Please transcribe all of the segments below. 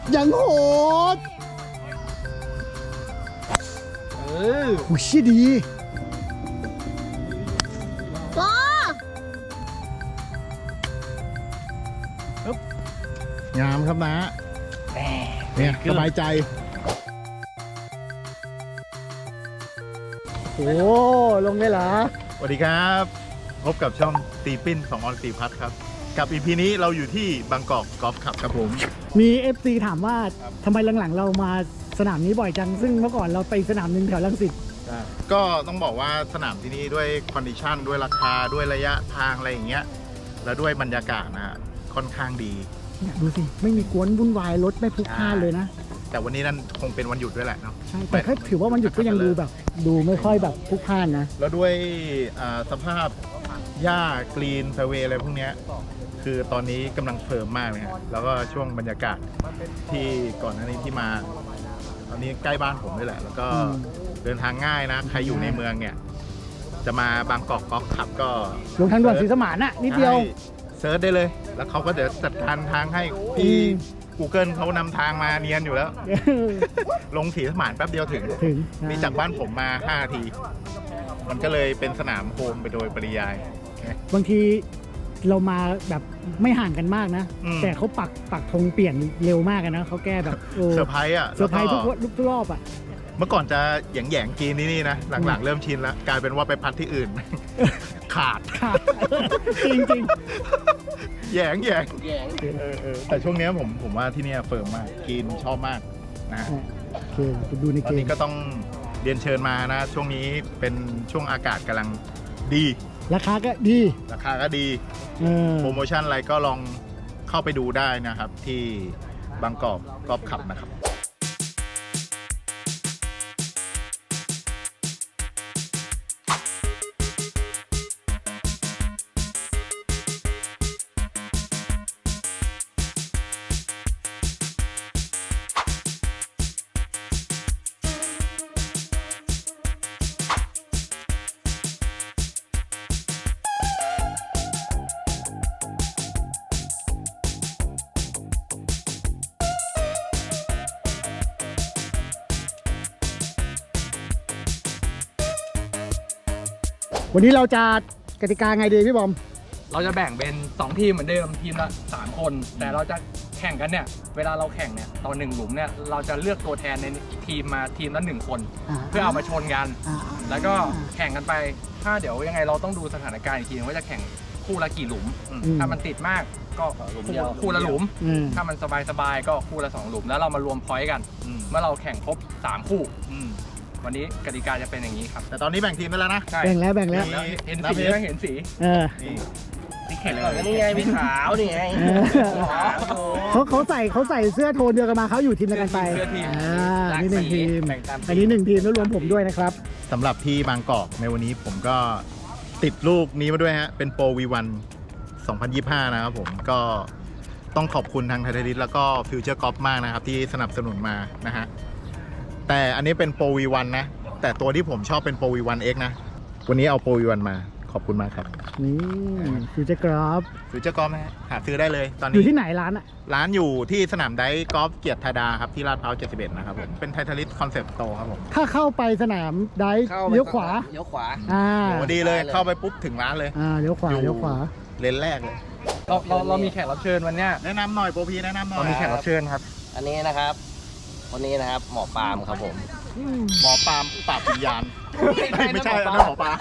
ยังโหดหูชี้ดีงามครับนะเนี่ยสบายใจโอ้ลงได้เหรอสวัสดีครับพบกับช่องตีปิ้น2 ออน 4 พัทครับกับ EP นี้เราอยู่ที่บางกอกกอล์ฟคลับครับผมมี FC ถามว่าทำไมหลังๆเรามาสนามนี้บ่อยจังซึ่งเมื่อก่อนเราไปสนามหนึ่งแถวรังสิตก็ต้องบอกว่าสนามที่นี่ด้วยคอนดิชันด้วยราคาด้วยระยะทางอะไรอย่างเงี้ยแล้วด้วยบรรยากาศนะค่อนข้างดีเนี่ยดูสิไม่มีกวนวุ่นวายรถไม่พลุกพล่านเลยนะแต่วันนี้นั่นคงเป็นวันหยุดด้วยแหละเนาะใช่แต่ถ้าถือว่าวันหยุดก็ยังดูแบบดูไม่ค่อยแบบพลุกพล่านนะแล้วด้วยสภาพหญ้ากรีนแฟเวย์อะไรพวกเนี้ยคือตอนนี้กำลังเฟิร์มมากเลยแล้วก็ช่วงบรรยากาศที่ก่อนหน้านี้ที่มาตอนนี้ใกล้บ้านผมด้วยแหละแล้วก็เดินทางง่ายนะใครอยู่ในเมืองเนี่ยจะมาบางกอกกอล์ฟคลับก็ลงทางด่วนศรีสมานน่ะนิดเดียวเซิร์ชได้เลยแล้วเขาก็จะจัดการทางให้ที่ Google เขานำทางมาเนียนอยู่แล้ว ลงศรีสมานแป๊บเดียวถึงนี่จากบ้านผมมา5 นาทีมันก็เลยเป็นสนามโฮมไปโดยปริยายบางทีเรามาแบบไม่ห่างกันมากนะแต่เขาปักธงเปลี่ยนเร็วมากนะเขาแก้แบบเซอร์ไพรส์อ่ะเซอร์ไพรส์ทุกรอบอ่ะเมื่อก่อนจะแหย่งกินนี่นะหลังๆเริ่มชินแล้วกลายเป็นว่าไปพัดที่อื่น ขาดจริงแหย่งแต่ช่วงนี้ผมว่าที่นี่เฟิร์มมากกินชอบมากนะโอเคไปดูในเกมตอนนี้ก็ต้องเรียนเชิญมานะช่วงนี้เป็นช่วงอากาศกำลังดีราคาก็ดีโปรโมชั่นอะไรก็ลองเข้าไปดูได้นะครับที่บางกอกกอล์ฟคลับนะครับวันนี้เราจะกติกาไงดีพี่บอมเราจะแบ่งเป็น2 ทีมเหมือนเดิมทีมละ3 คนแต่เราจะแข่งกันเนี่ยเวลาเราแข่งเนี่ยตอน1 หลุมเนี่ยเราจะเลือกตัวแทนในทีมมาทีมละ1 คนเพื่อเอามาชนกันแล้วก็แข่งกันไปถ้าเดี๋ยวยังไงเราต้องดูสถานการณ์อีกทีว่าจะแข่งคู่ละกี่หลุมถ้ามันติดมากก็คู่ละหลุมถ้ามันสบายๆก็คู่ละ2 หลุมแล้วเรามารวมพอยต์กันเมื่อเราแข่งครบ3 คู่วันนี้กติกาจะเป็นอย่างนี้ครับแต่ตอนนี้แบ่งทีมไปแล้วนะแบ่งแล้วเห็นสีเห็นสีนี่แข่งเลยนี่ไงมีขาวนี่ไงเขาใส่เสื้อโทนเดียวกันมาเขาอยู่ทีมเดียวกันไปนี่1 ทีมอันนี้1 ทีมแล้วรวมผมด้วยนะครับสำหรับที่บางกอกในวันนี้ผมก็ติดลูกนี้มาด้วยฮะเป็นโปร V1 2025นะครับผมก็ต้องขอบคุณทางไทยลิสแล้วก็ฟิวเจอร์กอล์ฟมากนะครับที่สนับสนุนมานะฮะแต่อันนี้เป็นโปร V1 นะแต่ตัวที่ผมชอบเป็นโปร V1X นะวันนี้เอาโปร V1 มาขอบคุณมากครับนี่ฟิวเจอร์กอล์ฟนะฮะหาซื้อได้เลยตอนนี้อยู่ที่ไหนร้านอ่ะร้านอยู่ที่สนามไดกอล์ฟเกียรติธาดาครับที่ลาดพร้าว71นะครับผมเป็นไทลิสคอนเซ็ปต์โตครับผมถ้าเข้าไปสนามไดเลี้ยวขวาโหดีเลยเข้าไปปุ๊บถึงร้านเลยเลี้ยวขวาเลนแรกเลยเรามีแขกรับเชิญวันนี้แนะนำหน่อยโปรพีแนะนำหน่อยเรามีแขกรับเชิญครับอันนี้นะครับคนนี้นะครับหมอปาล์มครับผมหมอปาล์มปราบวิญญาณไม่ใช่อันนั้นหมอปาล์ม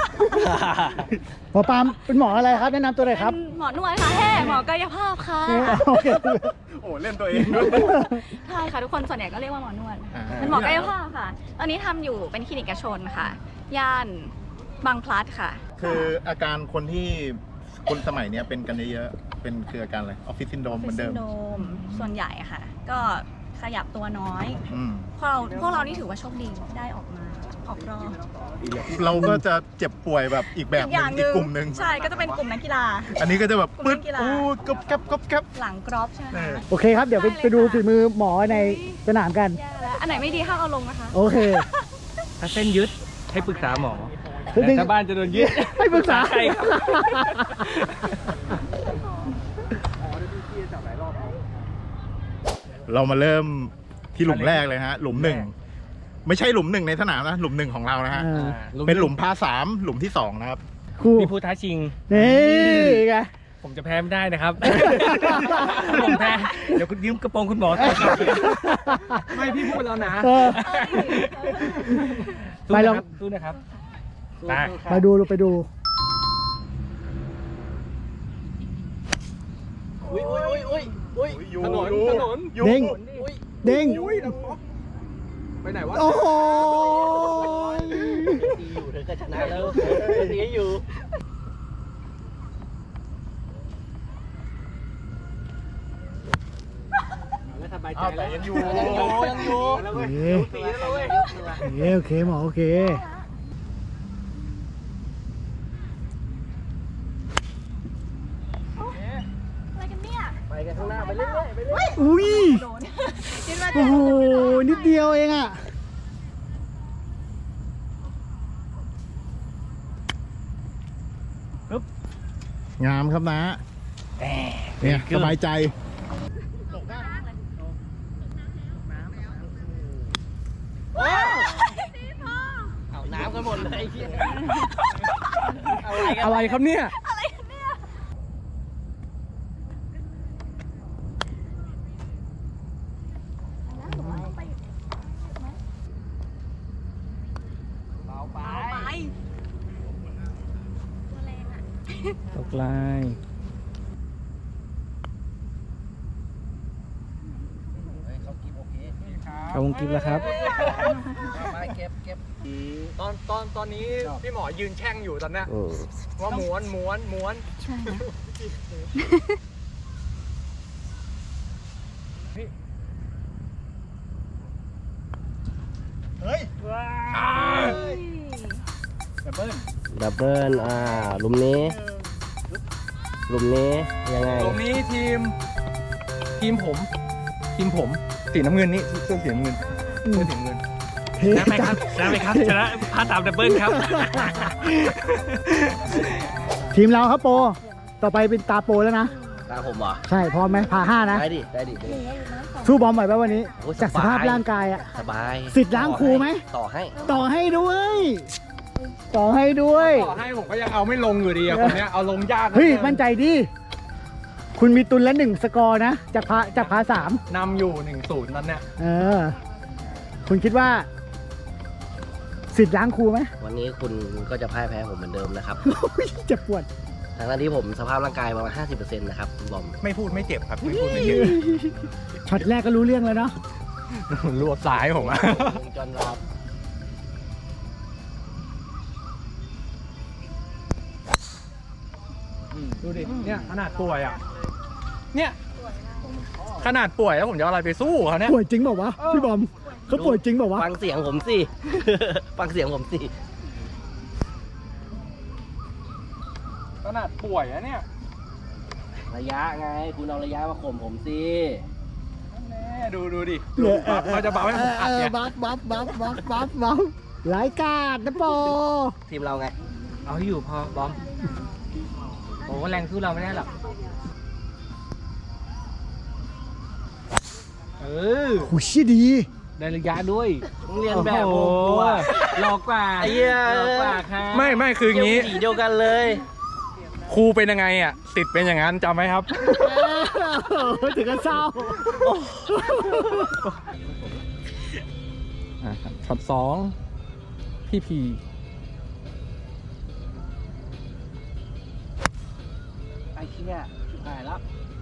เป็นหมออะไรครับแนะนำตัวหน่อยครับหมอนวดค่ะหมอกายภาพค่ะโอ้เล่นตัวเองใช่ค่ะทุกคนส่วนใหญ่ก็เรียกว่าหมอนวดเป็นหมอกายภาพค่ะตอนนี้ทำอยู่เป็นคลินิกเอกชนค่ะย่านบางพลัดค่ะคืออาการคนที่คนสมัยนี้เป็นกันเยอะเป็นคืออาการอะไรออฟฟิศซินโดรมเหมือนเดิมส่วนใหญ่ค่ะก็ขยับตัวน้อยพวกเรานี่ถือว่าโชคดีได้ออกรอบเราก็จะเจ็บป่วยแบบอีกแบบนึงอีกกลุ่มนึงใช่ก็จะเป็นกลุ่มนักกีฬาอันนี้ก็จะแบบปึ๊ดกบกับหลังกรอบใช่ไหมโอเคครับเดี๋ยวไปดูฝีมือหมอในสนามกันอันไหนไม่ดีห้ามเอาลงนะคะโอเคถ้าเส้นยึดให้ปรึกษาหมอถ้าบ้านจะโดนยึดให้ปรึกษาใครครับเรามาเริ่มที่หลุมแรกเลยฮะ หลุมหนึ่งไม่ใช่หลุมหนึ่งในสนามนะหลุมหนึ่งของเรานะฮะ เป็นหลุมพา3หลุมที่2นะครับคู่มีผู้ท้าชิงนี่ไงผมจะแพ้ไม่ได้นะครับ ผมแพ้ เดี๋ยวคุณยืมกระโปรงคุณหมอต่อครับไม่พี่พูดแล้วนะเออ ไปลองสู้นะครับไปไปดูไปดูถนนเด้งเด้งไปไหนวะโอ้โหอยู่เธอก็ชนะแล้วตีอยู่แล้วสบายใจแต่แล้วยังอยู่ยังอยู่โอเคโอเคหมอโอเคอะไรกันเนี่ยไปกันข้างหน้าไปเรื่อยๆไปเรื่อยอุ้ยคิดว่าโอ้โหนิดเดียวเองอ่ะงามครับนะเนี่ยสบายใจเอาน้ำกันหมดเลยเอาอะไรกันอะไรครับเนี่ยอะไรกันเนี่ยไปตัวแรงอ่ะตกลายเขาวงกิฟต์แล้วครับไปเก็บตอนนี้พี่หมอยืนแช่งอยู่ตอนเนี้ยว่าม้วนใช่นะดับเบิลหลุมนี้ยังไงตรงนี้ทีมผมสีน้ำเงินนี่เสื้อสีน้ำเงินเสื้อสีน้ำเงินเท่ชนะไหมครับชนะไหมครับชนะพาตามดับเบิลครับทีมเราครับโปรต่อไปเป็นตาโปรแล้วนะตาผมเหรอใช่พร้อมไหมพา5นะได้ดิสู้บอมไหวป่ะวันนี้โอ้ยจากสภาพร่างกายอ่ะสบายสิทธิ์ล้างครูไหมต่อให้ต่อให้ด้วย ต่อให้ด้วยต่อให้ผมก็ยังเอาไม่ลงอยู่ดีอะคนเนี้ยเอาลงยากเฮ้ยมั่นใจดิคุณมีตุนละ1สกอร์นะจากพา3 นำอยู่ 1-0นั้นเนี่ยเออ คุณคิดว่าสิทธิ์ล้างครูไหมวันนี้คุณก็จะพ่ายแพ้ผมเหมือนเดิมนะครับเจ็บปวดทั้งที่ผมสภาพร่างกายประมาณ 50% นะครับคุณบอมไม่พูดไม่เจ็บครับไม่พูดไม่เจ็บช็อตแรกก็รู้เรื่องแล้วเนาะรวบสายผมอะจนรับดูดิเนี่ยขนาดป่วยอะเนี่ยขนาดป่วยแล้วผมจะเอาอะไรไปสู้เขาเนี่ยป่วยจริงเปล่าวะพี่บอมเขาป่วยจริงเปล่าวะฟังเสียงผมสิ ฟังเสียงผมสิขนาดป่วยอะเนี่ยระยะไง คุณเอาระยะมาข่มผมสิแน่ดูดิเขาจะบัฟให้ผมอัดเนี่ยบัฟหลายกาดนะโปทีมเราไงเอาให้อยู่พอบอมโอ้แรงสู้เราไม่ได้หรอกหูชี้ดีได้ระยะด้วยเรียนแบบผมกลัวหลอกกว่าไอ้เหี้ยหลอกกว่าครับไม่คืออย่างงี้สีเดียวกันเลยครูเป็นยังไงอ่ะติดเป็นอย่างนั้นจำไหมครับถึงกับเศร้าช็อต2พี่พีไอ้เหี้ยชิบหายแล้ว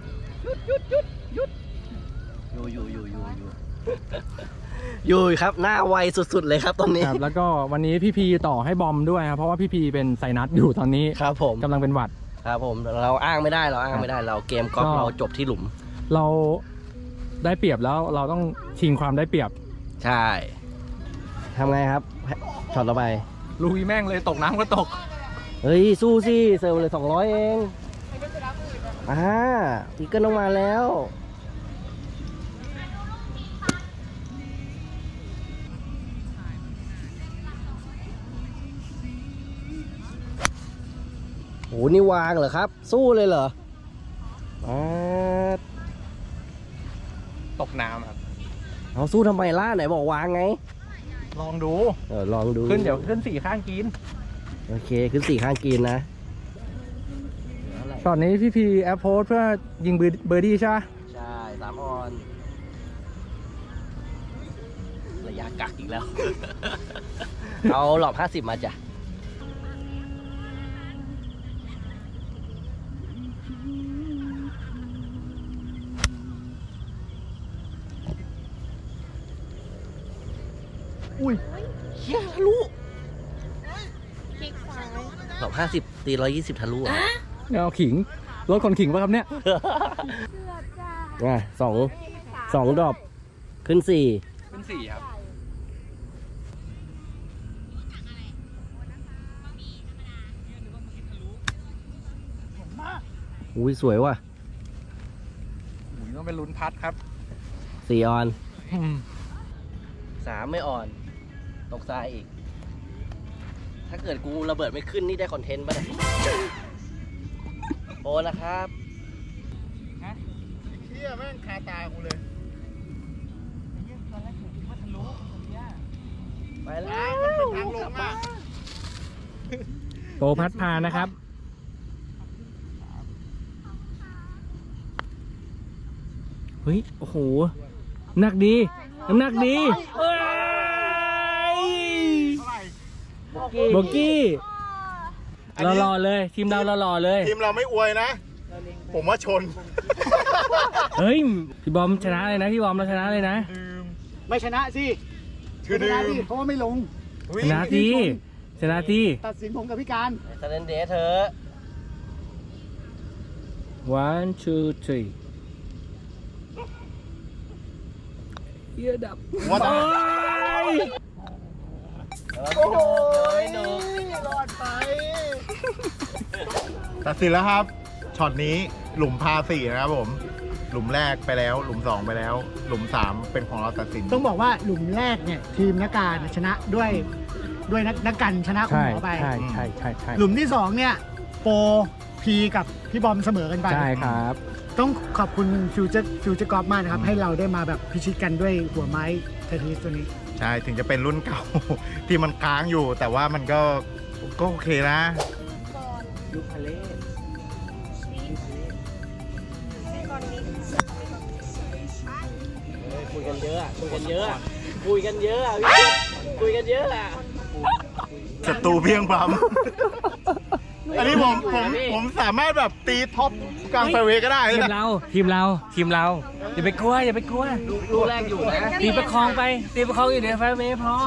อยู่ครับ หน้าไวสุดๆเลยครับตอนนี้ครับแล้วก็วันนี้พี่พีต่อให้บอมด้วยครับเพราะว่าพี่พีเป็นไซนัสอยู่ตอนนี้ครับผมกำลังเป็นหวัดครับผม เราอ้างไม่ได้เราเกมกอล์ฟก็เราจบที่หลุมเราได้เปรียบแล้วเราต้องชิงความได้เปรียบใช่ทำไงครับช็อตต่อไปลุยแม่งเลยตกน้ำก็ตกเฮ้ย สู้สิเซิร์ฟเลย200 เองอีกเกิลลงมาแล้วโหนี่วางเหรอครับ สู้เลยเหรอตกน้ำครับเอาสู้ทำไมล่ะไหนบอกวางไงลองดูลองดูขึ้นเดี๋ยวขึ้น4ข้างกินโอเคขึ้น4ข้างกินนะตอนนี้พี่พีแอปโพสเพื่อยิงเบอร์ดี้ใช่ไหมใช่3 ออนระยะกักอีกแล้ว เอาหลอบ50มาจ้ะอุ้ยเฮียทะลุหลอบ50ตี120ทะลุอ่ะเนี่ยเอาขิงรถคนขิงป่ะครับเนี่ยสองดรอปขึ้น4 ขึ้น4ครับอุ้ยสวยว่ะต้องเป็นลุ้นพัดครับ 4 ออน 3 ไม่อ่อน ตกทรายอีก ถ้าเกิดกูระเบิดไม่ขึ้นนี่ได้คอนเทนต์ป่ะเนี่ยโอ้นะครับเที่ยแม่งคาตากูเลยไปแล้วมันเป็นทางลงอ่ะโปรพัดพานะครับ เฮ้ย โอ้โห หนักดี น้ำหนักดีเอ้ยโบกี้หล่อๆเลย ทีมเราหล่อๆเลยทีมเราไม่อวยนะ ผมว่าชนเฮ้ย พี่บอมชนะเลยนะ พี่บอมเราชนะเลยนะไม่ชนะสิคือชนะดื่ดิมเพราะว่าไม่ลงชนะทีชนะทีตัดสินผมกับพี่การสแตนเดย์เธอ 1 2 3เยี่ยดับว่าแต่โอ้ยหนูรอดไปตัดสินแล้วครับ ช็อตนี้หลุมพา4นะครับผม หลุมแรกไปแล้ว หลุม2ไปแล้ว หลุม3เป็นของเราตัดสินต้องบอกว่าหลุมแรกเนี่ยทีมนักการชนะด้วยนักกันชนะคุณใช่หมอไปใช่ใช่ใช่ใช่หลุมที่สองเนี่ยโปรพีกับพี่บอมเสมอกันไปใช่ครับต้องขอบคุณฟิวเจอร์กอล์ฟมากนะครับ ให้เราได้มาแบบพิชิตกันด้วยหัวไม้เทนนิสตัวนี้ใช่ ถึงจะเป็นรุ่นเก่า ที่มันค้างอยู่ แต่ว่ามันก็โอเคนะยุคพาเล่คุยกันเยอะอะคุยกันเยอะอะคุยกันเยอะอะพี่คุยกันเยอะอะศัตรูเพียงพร้ำ อันนี้ผมสามารถแบบตีท็อปกลางไฟเวย์ก็ได้ทีมนะเราอย่าไปกลัวอย่าไปกลัวลูกแรกอยู่นะตีประคองไป ตีประคองอยู่เดี๋ยวไฟเมย์พอ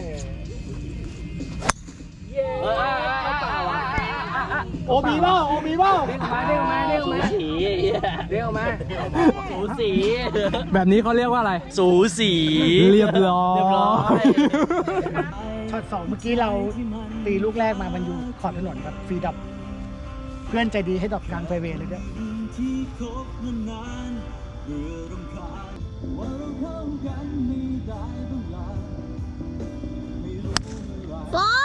โอมีบ้าโอมีบ้าเรียกมาสีเรียกมาสูสีแบบนี้เขาเรียกว่าอะไรสูสีเรียบร้อยเรียบร้อยช็อตสองเมื่อกี้เราตีลูกแรกมามันอยู่ขอบถนนครับฟรีดับ เพื่อนใจดีให้ดอกกลางไฟเวย์เลยด้วยโอ้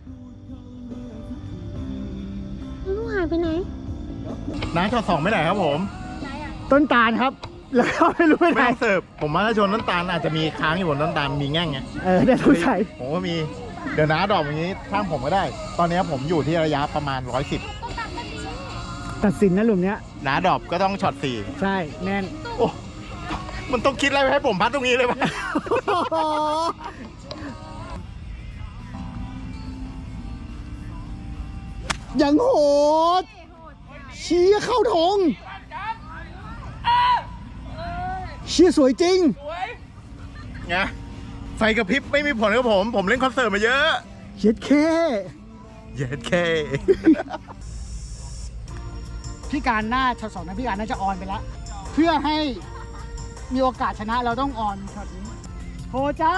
ลูกหายไปไหนน้าช็อต2ไม่ไหนครับผมต้นตาลครับ แล้วก็ไม่รู้ไปไหนแม่งเสิร์ฟ ผมว่าถ้าชนต้นตาลอาจจะมีค้างอยู่บนต้นตาลมีแง่งไงเดี๋ยวต้องใส่ผมว่ามี เดี๋ยวน้าดอกอย่างนี้ข้างผมก็ได้ ตอนนี้ผมอยู่ที่ระยะประมาณ 110 ตัดสินนะหลุมเนี้ยน้าดอกก็ต้องช็อตใช่แน่น 4 โอ้ มันต้องคิดอะไรให้ผมพัดตรงนี้เลยปะยังโหดเชี้เข้าทงเชี้สวยจริงไง ไฟกระพริบไม่มีผลกับผม ผมเล่นคอนเสิร์ตมาเยอะเย็ดแค่เย็ดเคพี่การหน้าช็อตสองนะพี่การน่าจะออนไปแล้ว เพื่อให้มีโอกาสชนะเราต้องออนช็อตนี้โหจ้า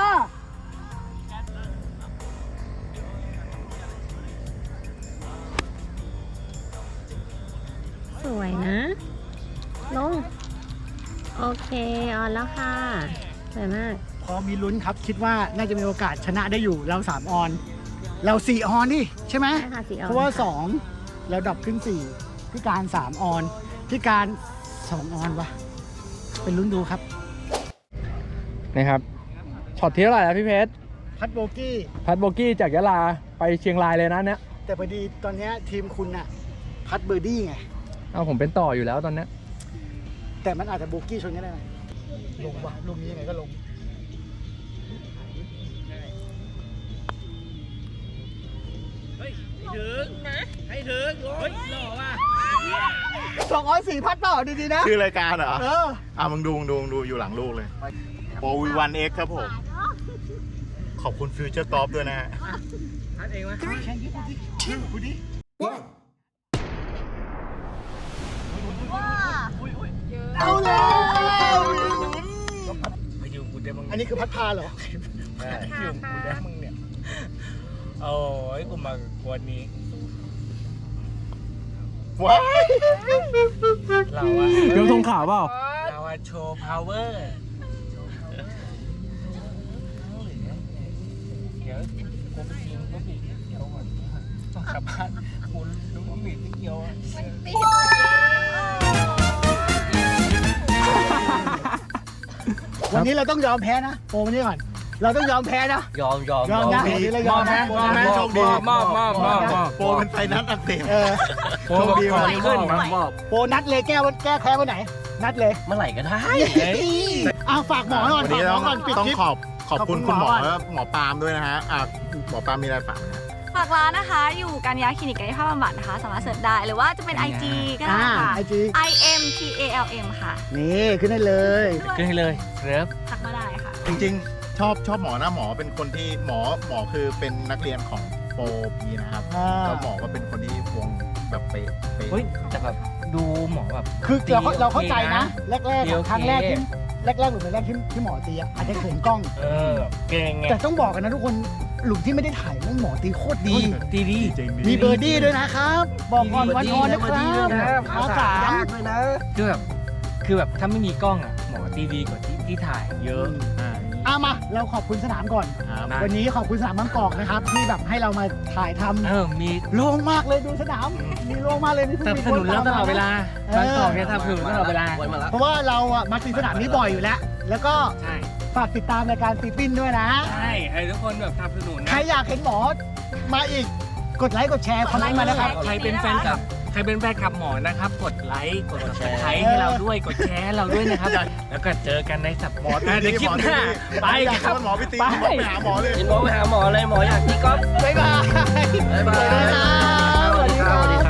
สวยนะ ลง โอเคออนแล้วค่ะ สวยมากพอมีลุ้นครับ คิดว่าน่าจะมีโอกาสชนะได้อยู่เรา3 ออน เรา4 ออนดิใช่ไหมใช่ค่ะ4 ออนเพราะว่าค่ะ 2 แล้วดับขึ้น 4 พี่การ3 ออน พี่การ 2 ออนวะเป็นลุ้นดูครับนะครับช็อตที่เท่าไหร่แล้วพี่เพชรพัดโบกี้พัดโบกี้จากยะลาไปเชียงรายเลยนะเนี่ยแต่พอดีตอนเนี้ยทีมคุณน่ะพัดเบอร์ดี้ไงเอาผมเป็นต่ออยู่แล้วตอนเนี้ยแต่มันอาจจะโบกี้ชนกันได้ไหมลงว่ะลูกนี้ยังไงก็ลง204พัดเปล่าดีๆนะชื่อรายการเหรอเออมึงดูอยู่หลังลูกเลยโปรวีวันเอ็กครับผม ขอบคุณฟิวเจอร์กอล์ฟด้วยนะฮะพัดเองไหมเอาแล้วไปอยู่กูได้บ้างอันนี้คือพัดพาเหรออยู่กูได้มึงเนี่ยโอ้ยกูมากวนนี้ว้ายเราอะเดี๋ยวทงข่าวเปล่าเราอะโชว์พาวเวอร์เดี๋ยวกูไปกินก็บีบเกี๊ยวก่อนต้องกลับบ้านกูรู้ว่าบีบเกี๊ยวอะวันนี้เราต้องยอมแพ้นะโปรวันนี้ก่อน เราต้องยอมแพ้นะยอมยอมนะวันนี้เรายอมนะโชคดีมอบโปรเป็นไฟนัดอักเสบเออโชคดีว่ะขึ้นมอบโปรนัดเลยแก้แก้แพ้วันไหน นัดเลยเมื่อไหร่ก็ได้อ้าวฝากหมอก่อนวันฝานี้กหมต้อองก่อนปิดต้องคลิปขอบคุณขอบคุณคุณหมอหมอและหมอปาล์มด้วยนะฮะหมอปาล์มมีอะไรฝากไหมฮะฝากร้านนะคะ อยู่กันยาคลินิกกายภาพบำบัดนะคะ สามารถเสิร์ชได้ หรือว่าจะเป็น IG ก็ได้ค่ะ IG IMPALM ค่ะนี่ขึ้นได้เลยขึ้นให้เลยเริ่มทักมาได้ค่ะจริงๆ ชอบหมอนะหมอเป็นคนที่หมอคือเป็นนักเรียนของโปรพีนะครับอ่าแล้วหมอก็เป็นคนที่วงแบบไปเฮ้ยแต่แบบดูหมอแบบคือเราเข้าใจนะ แรกดีๆโออะเคครั้งแรกหรือเป็นแรกที่หมอตีอะอาจจะเขินกล้องเก่งไงแต่ต้องบอกกันนะทุกคนหลุมที่ไม่ได้ถ่ายเรื่องหมอตีโคตรดีดีดีจริงมีเบอร์ดี้ด้วยนะครับ บอกก่อนวันออนนะครับขากาย้ด้วยนะคือแบบถ้าไม่มีกล้องอ่ะหมอตีดีกว่าที่ถ่ายเยอะมาเราขอบคุณสนามก่อนครับนะวันนี้ขอบคุณสนามบางกอกนะครับ ที่แบบให้เรามาถ่ายทำมีโล่งมากเลยดูสนาม มีโล่งมากเลยนี่สนับสนุนเราตลอดเวลาบางกอกเนี่ยสนับสนุนตลอดเวลาเพราะว่าเราอะมาตีสนามนี้บ่อยอยู่แล้ว แล้วก็ใช่ฝากติดตามรายการตีปิ้นด้วยนะใช่ให้ทุกคนแบบสนับสนุนใครนะอยากเห็นหมอมาอีก กดไลค์กดแชร์คอมเมนต์มานะครับใครเป็นแฟนคลับหมอนะครับ กดไลค์กด subscribe ให้เราด้วยกดแชร์ให้เราด้วยนะครับ แล้วก็เจอกันในสัปหมอตีเดี๋ยวคลิปหน้าไปอยากครับให้หมอไปตีไปหมอไปหาหมอเลยเห็นหมอไปหาหมอเลยหมออยากตีกอล์ฟบ๊ายบายบ๊ายบายสวัสดีครับสวัสดีครับ